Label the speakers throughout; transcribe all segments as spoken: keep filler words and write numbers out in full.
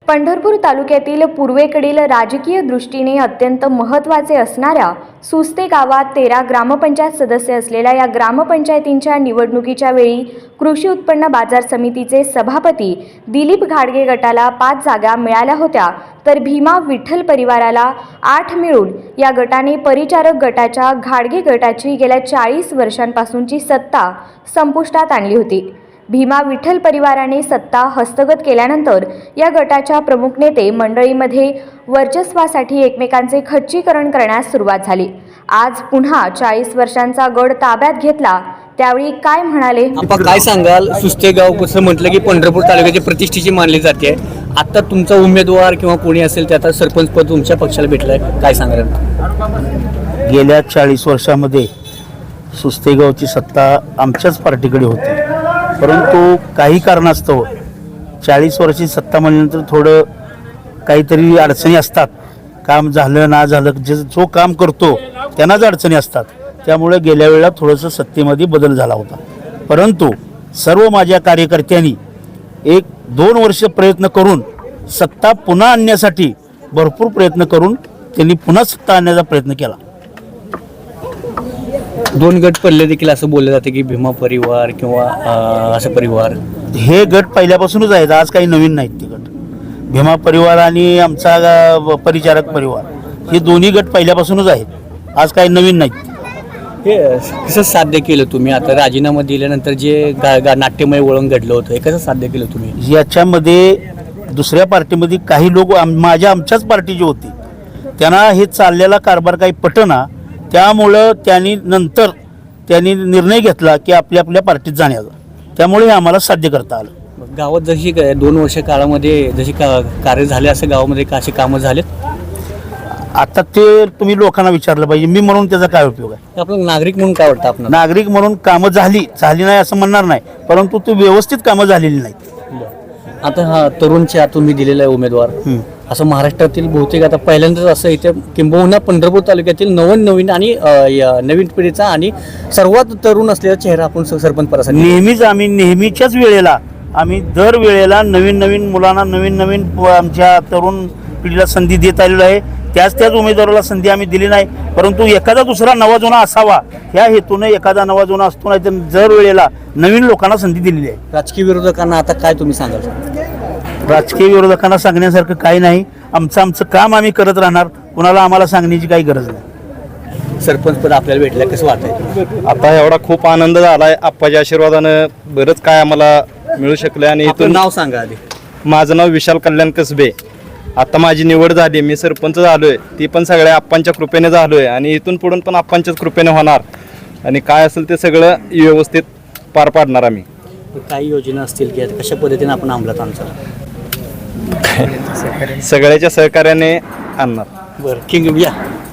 Speaker 1: पंढरपूर तालुक्यातील पूर्वेकडील राजकीय दृष्टीने अत्यंत महत्त्वाचे असणाऱ्या सुस्ते गावात तेरा ग्रामपंचायत सदस्य असलेल्या या ग्रामपंचायतींच्या निवडणुकीच्या वेळी कृषी उत्पन्न बाजार समितीचे सभापती दिलीप घाडगे गटाला पाच जागा मिळाल्या होत्या, तर भीमा विठ्ठल परिवाराला आठ मिळून या गटाने परिचारक गटाच्या घाडगे गटाची गेल्या चाळीस वर्षांपासूनची सत्ता संपुष्टात आणली होती। भीमा विठ्ठल परिवाराने सत्ता हस्तगत केल्यानंतर या गटाच्या प्रमुख नेते मंडळीमध्ये वर्चस्वासाठी एकमेकांचे खच्चीकरण करण्यास सुरुवात झाली। आज पुन्हा चाळीस वर्षांचा गड ताब्यात घेतला, त्यावेळी काय म्हणाले?
Speaker 2: आपण काय सांगाल? सुस्ते गाव कसं म्हटलं की पंढरपूर तालुक्याची प्रतिष्ठेची मानली जाते। आता तुमचा उमेदवार किंवा कोणी असेल ते आता सरपंच पद तुमच्या पक्षाला भेटलंय, काय सांगाल?
Speaker 3: गेल्या चाळीस वर्षामध्ये सुस्ते गावची सत्ता आमच्याच पार्टीकडे होती, परंतु काही कारणास्तव चाळीस वर्षी सत्ता म्हणल्यानंतर थोडं काहीतरी अडचणी असतात। काम झालं ना झालं, जे जो काम करतो त्यांनाच अडचणी असतात, त्यामुळे गेल्या वेळेला थोडंसं सत्तेमध्ये बदल झाला होता। परंतु सर्व माझ्या कार्यकर्त्यांनी एक दोन वर्ष प्रयत्न करून सत्ता पुन्हा आणण्यासाठी भरपूर प्रयत्न करून त्यांनी पुन्हा सत्ता आणण्याचा प्रयत्न केला।
Speaker 2: दोन गट पडले देखील असं बोललं जाते की भीमा परिवार किंवा असं परिवार,
Speaker 3: हे गट पहिल्यापासूनच आहेत, आज काही नवीन नाहीत ते गट। भीमा परिवार आणि आमचा परिचारक परिवार हे दोन्ही गट पहिल्यापासूनच आहेत, आज काही नवीन नाहीत।
Speaker 2: हे कसं साध्य केलं तुम्ही? आता राजीनामा दिल्यानंतर जे गा, गा नाट्यमय वळण घडलं होतं, हे कसं साध्य केलं तुम्ही?
Speaker 3: याच्यामध्ये दुसऱ्या पार्टीमध्ये काही लोक आम माझ्या आमच्याच पार्टीचे होते, त्यांना हे चाललेला कारभार काही पटना, त्यामुळं त्यांनी नंतर त्यांनी निर्णय घेतला की आपल्या आपल्या पार्टीत जाण्याचा, त्यामुळे हे आम्हाला साध्य करता आलं।
Speaker 2: गावात जशी दोन वर्ष काळामध्ये जशी का कार्य झाले असं गावामध्ये का असे कामं झालेत?
Speaker 3: आता ते तुम्ही लोकांना विचारलं पाहिजे, मी म्हणून त्याचा काय उपयोग आहे?
Speaker 2: आपण नागरिक म्हणून काय वाटतं? आपण
Speaker 3: नागरिक म्हणून कामं झाली झाली नाही असं म्हणणार नाही, परंतु ती व्यवस्थित कामं झालेली नाहीत।
Speaker 2: आता हा तरुणच्या तुम्ही दिलेला आहे उमेदवार, असं महाराष्ट्रातील बहुतेक आता पहिल्यांदाच असं इथे किंबहुना पंढरपूर तालुक्यातील नवीन नवीन आणि नवीन पिढीचा आणि सर्वात तरुण असलेला चेहरा आपण सरपंच पदासाठी
Speaker 3: नेहमीच आम्ही नेहमीच्याच वेळेला आम्ही दर वेळेला नवीन नवीन मुलांना नवीन नवीन आमच्या तरुण पिढीला संधी देत आलेलो आहे। त्याच त्याच उमेदवाराला संधी आम्ही दिली नाही, परंतु एखादा दुसरा नवा जुना असावा ह्या हेतूने एखादा नवा जुना असतो, नाही तर दर वेळेला नवीन लोकांना संधी दिलेली आहे।
Speaker 2: राजकीय विरोधकांना आता काय तुम्ही सांगाल?
Speaker 3: राजकीय विरोधकांना सांगण्यासारखं काही नाही, आमचं आमचं काम आम्ही करत राहणार, कुणाला आम्हाला सांगण्याची काही गरज नाही।
Speaker 2: सरपंच पद आपल्याला भेटलं, कसं वाटतंय?
Speaker 4: आता एवढा खूप आनंद झालाय, आप्पाच्या आशीर्वादानं बरंच काय आम्हाला मिळू शकलं। आणि इथून
Speaker 2: नाव सांगा आधी।
Speaker 4: माझं नाव विशाल कल्याण कसबे। आता माझी निवड झाली, मी सरपंच झालोय, ती पण सगळ्या आप्पांच्या कृपेने झालोय आणि इथून पुढून पण आप्पांच्याच कृपेने होणार आणि काय असेल ते सगळं व्यवस्थित पार पाडणार आम्ही।
Speaker 2: काही योजना असतील की कशा पद्धतीने आपण अंमलात आणतो?
Speaker 4: सगळ्याच्या सहकार्याने आणणार।
Speaker 2: बरं, किंग या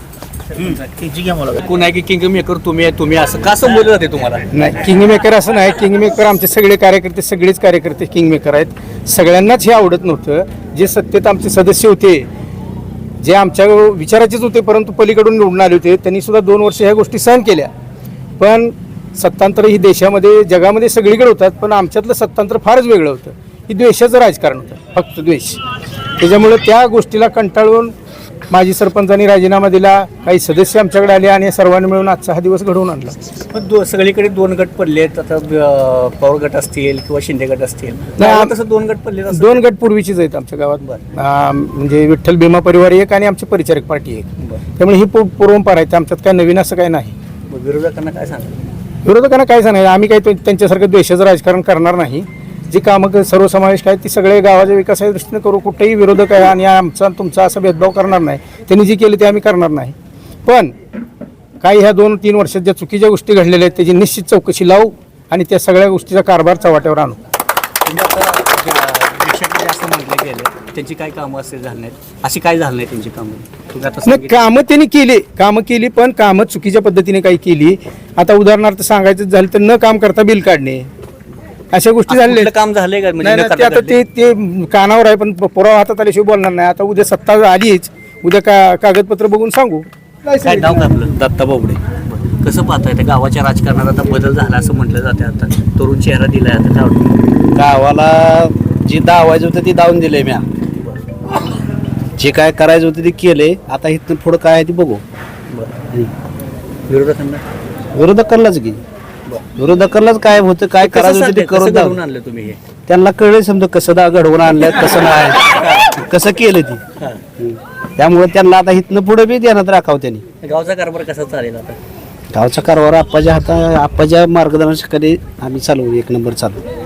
Speaker 2: कोण आहे की किंग मेकर तुम्ही आहे? तुम्ही असं का बोललं जाते तुम्हाला?
Speaker 5: नाही, किंग मेकर असं नाही। किंग मेकर आमचे सगळे कार्यकर्ते सगळेच कार्यकर्ते किंग मेकर आहेत। सगळ्यांनाच हे आवडत नव्हतं। जे सत्तेत आमचे सदस्य होते, जे आमच्या विचाराचेच होते परंतु पलीकडून निवडून आले होते, त्यांनी सुद्धा दोन वर्ष ह्या गोष्टी सहन केल्या। पण सत्तांतर ही देशामध्ये जगामध्ये सगळीकडे होतात, पण आमच्यातलं सत्तांतर फारच वेगळं होतं। ही द्वेषाचं राजकारण होतं, फक्त द्वेष। त्याच्यामुळे त्या गोष्टीला कंटाळून माजी सरपंचांनी राजीनामा दिला, काही सदस्य आमच्याकडे आले आणि सर्वांनी मिळून आजचा हा दिवस घडवून आणला।
Speaker 2: पण दो सगळीकडे दोन गट पडलेत, आता पवार गट असतील किंवा शिंदे गट असतील,
Speaker 5: नाही,
Speaker 2: तसं दोन गट पडले?
Speaker 5: दोन गट पूर्वीचीच आहेत आमच्या गावात, म्हणजे विठ्ठल भीमा परिवार एक आणि आमची परिचारक पार्टी एक, त्यामुळे ही पूर्वंपार आहे, आमच्यात काय नवीन असं काय नाही।
Speaker 2: विरोधकांना काय सांगा?
Speaker 5: विरोधकांना काय सांगायचं, आम्ही काही त्यांच्यासारखं द्वेषाचं राजकारण करणार नाही। जी कामं सर्वसमावेशक आहेत ती सगळे गावाच्या विकासाच्या दृष्टीने करू, कुठेही विरोधक आहे आणि आमचा तुमचा असा भेदभाव करणार नाही। त्यांनी जी केली ते आम्ही करणार नाही, पण काही ह्या दोन तीन वर्षात ज्या चुकीच्या गोष्टी घडलेल्या आहेत त्याची निश्चित चौकशी लावू आणि त्या सगळ्या गोष्टीचा कारभार चव्हाट्यावर आणू।
Speaker 2: असं म्हटलं गेलं त्यांची काय कामं असे झाली नाहीत, अशी काय झालं नाही त्यांची कामं?
Speaker 5: नाही, कामं त्यांनी केली, कामं केली पण कामं चुकीच्या पद्धतीने काही केली। आता उदाहरणार्थ सांगायचं झालं तर न काम करता बिल काढणे, अशा गोष्टी झालेल्या।
Speaker 2: काम झाले का?
Speaker 5: नाही, आता ते ते कानावर आहे, पण पुरावा हातात आल्याशिवाय बोलणार नाही। आता उद्या सत्ता आलीच, उद्या का कागदपत्र बघून सांगू।
Speaker 2: काय नाव काय आपलं? दत्ता बोबडे। कसं पाहताय त्या गावाच्या राजकारणात आता बदल झाला असं म्हटलं जाते, आता तरुण चेहरा दिलाय, आता काय वाटतं?
Speaker 6: गावाला जी दावायचं होतं ती दावून दिले म्या,
Speaker 3: जे काय करायचं होतं ते केले. आता इथनं पुढं काय आहे ते बघू.
Speaker 2: विरोधकांना
Speaker 3: विरोधकांनाच की विरोधकांनाच काय होतं काय करायचं होतं ते करून
Speaker 2: करून
Speaker 3: दाखव.
Speaker 2: आणलं तुम्ही हे
Speaker 3: त्यांना कळलं समजा कसं दा घडवून आणलं कसं नाही कसं केलं ती. हम्म. त्यामुळे त्यांना आता इथनं पुढे बी ध्यानात राखावं त्यांनी.
Speaker 2: गावचा कारभार कसा चालेल आता?
Speaker 3: गावचा कारभार आप्पाच्या हाता आप्पाच्या मार्गदर्शनाखाली आम्ही चालवू एक नंबर चालू.